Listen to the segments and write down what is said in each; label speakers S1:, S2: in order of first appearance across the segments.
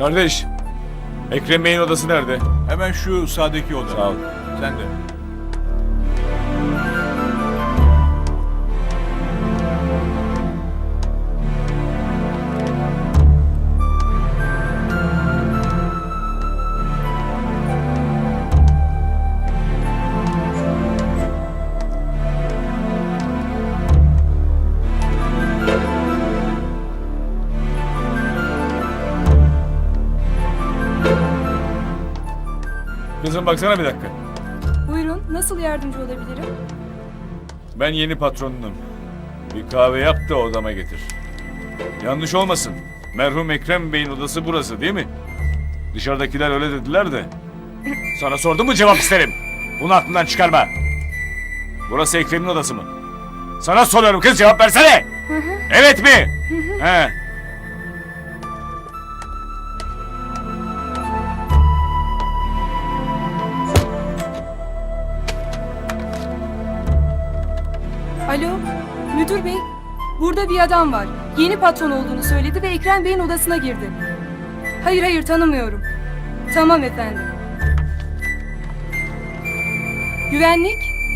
S1: Kardeş, Ekrem Bey'in odası nerede?
S2: Hemen şu sağdaki oda.
S1: Sağ ol.
S2: Sen de.
S1: Kızım baksana bir dakika.
S3: Buyurun, nasıl yardımcı olabilirim?
S1: Ben yeni patronunum. Bir kahve yap da odama getir. Yanlış olmasın. Merhum Ekrem Bey'in odası burası değil mi? Dışarıdakiler öyle dediler de. Sana sordum mu cevap isterim. Bunu aklından çıkarma. Burası Ekrem'in odası mı? Sana soruyorum kız, cevap versene. Evet mi? He.
S3: Alo, müdür bey. Burada bir adam var. Yeni patron olduğunu söyledi ve Ekrem Bey'in odasına girdi. Hayır, tanımıyorum. Tamam efendim. Güvenlik?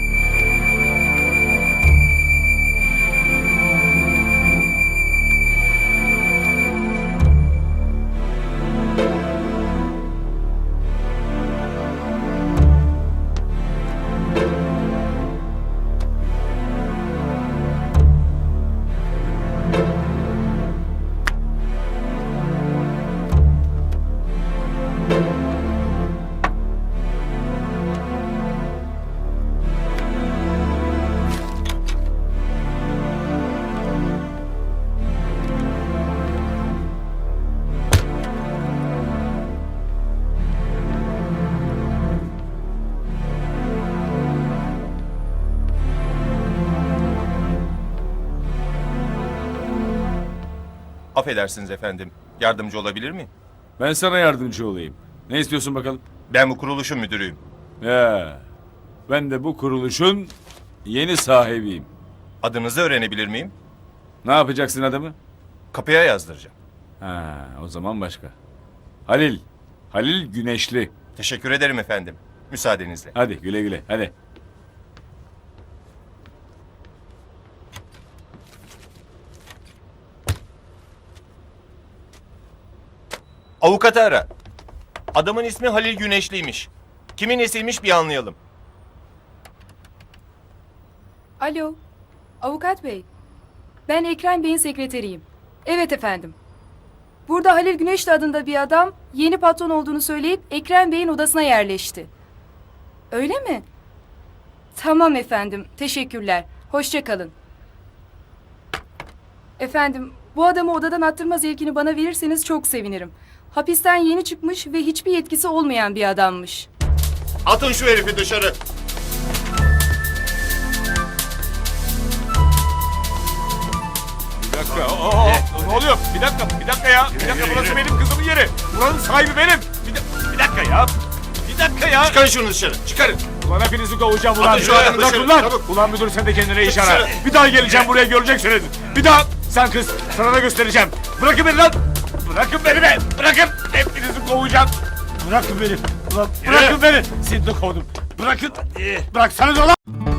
S4: Affedersiniz efendim. Yardımcı olabilir miyim?
S1: Ben sana yardımcı olayım. Ne istiyorsun bakalım?
S4: Ben bu kuruluşun müdürüyüm.
S1: Ya, ben de bu kuruluşun yeni sahibiyim.
S4: Adınızı öğrenebilir miyim?
S1: Ne yapacaksın adamı?
S4: Kapıya yazdıracağım.
S1: Ha, o zaman başka. Halil. Halil Güneşli.
S4: Teşekkür ederim efendim. Müsaadenizle.
S1: Hadi güle güle, hadi.
S4: Avukatı ara. Adamın ismi Halil Güneşliymiş. Kimin nesiymiş bir anlayalım.
S3: Alo, avukat bey. Ben Ekrem Bey'in sekreteriyim. Evet efendim. Burada Halil Güneşli adında bir adam yeni patron olduğunu söyleyip Ekrem Bey'in odasına yerleşti. Öyle mi? Tamam efendim, teşekkürler. Hoşça kalın. Efendim, bu adamı odadan attırma zevkini bana verirseniz çok sevinirim. Hapisten yeni çıkmış ve hiçbir yetkisi olmayan bir adammış.
S4: Atın şu herifi dışarı.
S1: Bir dakika, ne oluyor? Bir dakika ya. Bir dakika, burası benim kızımın yeri. Buranın sahibi benim. Bir dakika ya. Bir dakika ya.
S4: Çıkarın şunu dışarı. Çıkarın.
S1: Ulan hepinizi kovacağım ulan.
S4: Atın şu ayağını
S1: Bırak
S4: dışarı,
S1: ulan.
S4: çabuk.
S1: Ulan müdür, sen de kendine iş ara.
S4: Dışarı.
S1: Bir daha geleceğim buraya, göreceksiniz. Bir daha. Sen kız, sana da göstereceğim. Bırakın beni lan. Bırakın beni be. Bırakın. Hepinizi kovacağım. Bırakın beni. Ulan bırakın beni. Seni de kovdum. Bırakın. Bıraksanız ulan.